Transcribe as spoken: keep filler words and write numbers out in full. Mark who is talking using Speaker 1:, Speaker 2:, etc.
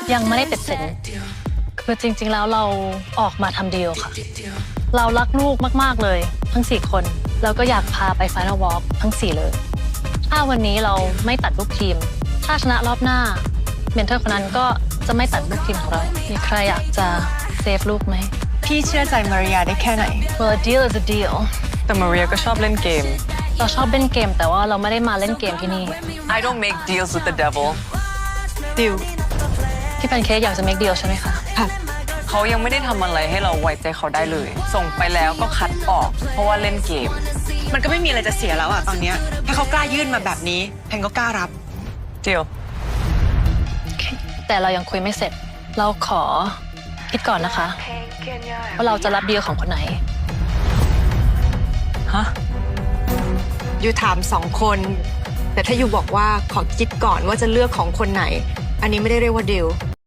Speaker 1: ยังไม่ได้ติดสินคือจริงๆแล้วเราออกมาทำดีลค่ะเรารักลูกมากๆเลยทั้งสี่คนแล้วก็อยากพาไป Final Walk ทั้งสี่เลยถ้าวันนี้เราไม่ตัดลูกทีมถ้าชนะรอบหน้าเมนเทอร์คนนั้นก็จะไม่ตัดลูกทีมของเรามีใครอยากจะเซฟลูกไหม
Speaker 2: พี่เชื่อใจมาริยาได้แค่ไหน
Speaker 1: Well a deal is a deal
Speaker 3: แต่มาเรียก็ชอบเล่นเกม
Speaker 1: เราชอบเล่นเกมแต่ว่าเราไม่ได้มาเล่นเกมที่นี่
Speaker 3: I don't make deals with the devil
Speaker 2: ดิว
Speaker 1: พี่แพนเค้กอยากจะ make deal ใช่ไหมคะ
Speaker 2: ค่ะ
Speaker 3: เขายังไม่ได้ทำอะไรให้เราไว้ใจเขาได้เลย ส่งไปแล้วก็คัดออก เพราะว่าเล่นเกม
Speaker 2: มันก็ไม่มีอะไรจะเสียแล้วอะตอนเนี้ยถ้าเขากล้ายื่นมาแบบนี้แพนก็กล้ารับ
Speaker 3: เดียว
Speaker 1: แต่เรายังคุยไม่เสร็จเราขอคิดก่อนนะคะว่าเราจะรับดีลของคนไหน
Speaker 3: ฮะ
Speaker 2: ยูถามสองคน แต่ถ้ายูบอกว่าขอคิดก่อนว่าจะเลือกของคนไหน อันนี้ไม่ได้เรียกว่าดิว